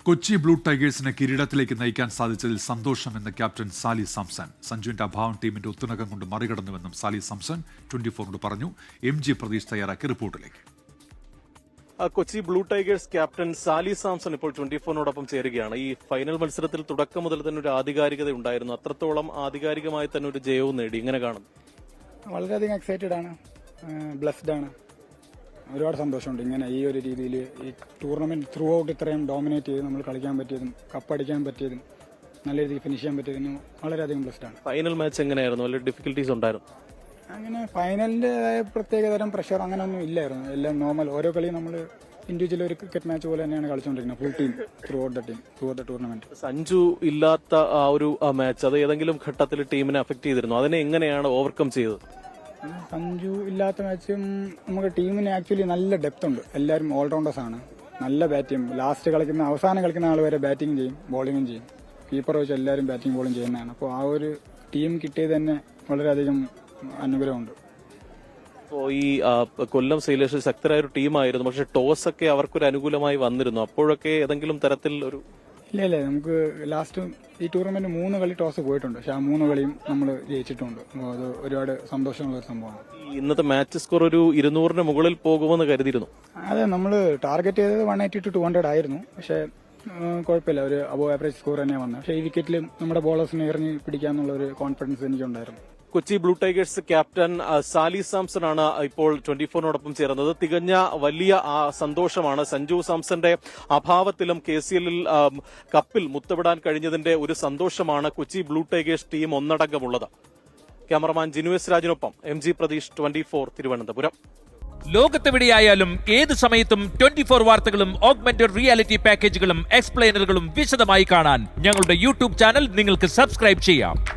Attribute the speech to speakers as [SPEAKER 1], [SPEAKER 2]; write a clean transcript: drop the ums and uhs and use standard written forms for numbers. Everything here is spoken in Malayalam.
[SPEAKER 1] കൊച്ചി ബ്ലൂ ടൈഗേഴ്സിനെ കിരീടത്തിലേക്ക് നയിക്കാൻ സാധിച്ചതിൽ സന്തോഷമെന്ന് ക്യാപ്റ്റൻ സാലി സാംസൺ. സഞ്ജുവിന്റെ അഭാവം ടീമിന്റെ ഒത്തുണക്കം കൊണ്ട് മറികടന്നുവെന്നും സാലി സാംസൺ 24 പറഞ്ഞു. MG പ്രതീഷ് തയ്യാറാക്കിയ റിപ്പോർട്ടിലേക്ക്.
[SPEAKER 2] Kochi blue tigers captain Sali Samson ഇപ്പോൾ 24നോടൊപ്പം ചേരുകയാണ്. ഈ ഫൈനൽ മത്സരത്തിൽ തുടക്കം മുതൽ തന്നെ ഒരു ആധികാരികത ഉണ്ടായിരുന്നു. അത്രത്തോളം ആധികാരികമായി തന്നെ ഒരു ജയവും നേടി. ഇങ്ങനെ കാണും.
[SPEAKER 3] വളരെയധികം എക്സൈറ്റഡ് ആണ്, ബ്ലെസ്ഡ് ആണ്. ഒരുപാട് സന്തോഷമുണ്ട് ഇങ്ങനെ ഈ ഒരു രീതിയിൽ ഈ ടൂർണമെന്റ് ത്രൂ ഔട്ട് ഇത്രയും ഡോമിനേറ്റ് ചെയ്ത് നമ്മൾ കളിക്കാൻ പറ്റിയതും കപ്പടിക്കാൻ പറ്റിയതും നല്ല രീതിയിൽ ഫിനിഷ് ചെയ്യാൻ പറ്റിയതിനും വളരെയധികം ബ്ലെസ്ഡ് ആണ്.
[SPEAKER 2] ഫൈനൽ മാച്ച് എങ്ങനെയായിരുന്നു? വലിയ ഡിഫിക്കൽട്ടീസ് ഉണ്ടായിരുന്നു?
[SPEAKER 3] അങ്ങനെ ഫൈനലിൻ്റെതായ പ്രത്യേകതരം പ്രഷർ അങ്ങനെയൊന്നും ഇല്ലായിരുന്നു. എല്ലാം നോർമൽ. ഓരോ കളിയും നമ്മൾ ഇൻഡിവിജ്വൽ ഒരു ക്രിക്കറ്റ് മാച്ച് പോലെ തന്നെയാണ് കളിച്ചുകൊണ്ടിരിക്കുന്നത്. Full team throughout the tournament.
[SPEAKER 2] Sanju ഇല്ലാത്ത ആ ഒരു മാച്ച് അത് ഏതെങ്കിലും ഘട്ടത്തിൽ ടീമിനെ അഫക്ട് ചെയ്തിരുന്നു? അതിനെ എങ്ങനെയാണ് ഓവർകം ചെയ്തത്?
[SPEAKER 3] സഞ്ജു ഇല്ലാത്ത മാച്ചും നമുക്ക് ടീമിന് ആക്ച്വലി നല്ല ഡെപ്ത് ഉണ്ട്. എല്ലാവരും ഓൾറൗണ്ടേഴ്സ് ആണ്. നല്ല ബാറ്റ് ചെയ്യും. അവസാനം കളിക്കുന്ന ആൾ വരെ ബാറ്റിംഗ് ചെയ്യും, ബോളിംഗും ചെയ്യും. കീപ്പർ വെച്ച് എല്ലാവരും ബാറ്റിംഗ് ബോളിംഗ് ചെയ്യുന്നതാണ്. അപ്പോൾ ആ ഒരു ടീം കിട്ടിയത് തന്നെ വളരെയധികം അനുഗ്രഹമുണ്ട്.
[SPEAKER 2] അപ്പോൾ ഈ കൊല്ലം സെയിലേഴ്സ് ശക്തരായ ഒരു ടീമായിരുന്നു. പക്ഷെ ടോസ് ഒക്കെ അവർക്കൊരു അനുകൂലമായി വന്നിരുന്നു. അപ്പോഴൊക്കെ ഏതെങ്കിലും തരത്തിൽ ഒരു
[SPEAKER 3] ഇല്ല നമുക്ക് ലാസ്റ്റ് ഈ ടൂർണമെന്റ് 3 കളി ടോസ് പോയിട്ടുണ്ട്. പക്ഷെ ആ 3 കളിയും നമ്മൾ ജയിച്ചിട്ടുണ്ട്. അത് ഒരുപാട് സന്തോഷമുള്ള ഒരു സംഭവമാണ്.
[SPEAKER 2] ഇന്നത്തെ മാച്ച് സ്കോർ ഒരു 200-ന് മുകളിൽ പോകുമെന്ന് കരുതിയിരുന്നു.
[SPEAKER 3] അതെ, നമ്മൾ ടാർഗറ്റ് ചെയ്തത് 180 to 200 ആയിരുന്നു. പക്ഷെ കുഴപ്പമില്ല, ഒരു അബോവ് ആവറേജ് സ്കോർ തന്നെയാണ് വന്നത്. പക്ഷേ ഈ വിക്കറ്റിൽ നമ്മുടെ ബോളേഴ്സിനെ എറിഞ്ഞ് പിടിക്കാന്നുള്ള ഒരു കോൺഫിഡൻസ് എനിക്കുണ്ടായിരുന്നു.
[SPEAKER 2] Kochi blue tigers captain Sali Samson ആണ് ഇപ്പോൾ 24നോടൊപ്പം ചേർന്നത്. തികഞ്ഞ വലിയ സന്തോഷമാണ്. സഞ്ജു സാംസന്റെ അഭാവത്തിലും KCL കപ്പിൽ മുത്തമിടാൻ കഴിഞ്ഞതിന്റെ ഒരു സന്തോഷമാണ് കൊച്ചി ബ്ലൂ ടൈഗേഴ്സ് ടീം ഒന്നടങ്കമുള്ളത്. ക്യാമറമാൻ ജിനുവേസ് രാജിനൊപ്പം MG പ്രതീഷ്, 24 തിരുവനന്തപുരം.
[SPEAKER 4] ലോകത്തെവിടെയായാലും ഏത് സമയത്തും 24 വാർത്തകളും ഓഗ്മെന്റഡ് റിയാലിറ്റി പാക്കേജുകളും എക്സ്പ്ലെയിനറുകളും വിശദമായി കാണാൻ ഞങ്ങളുടെ YouTube ചാനൽ നിങ്ങൾക്ക് സബ്സ്ക്രൈബ് ചെയ്യാം.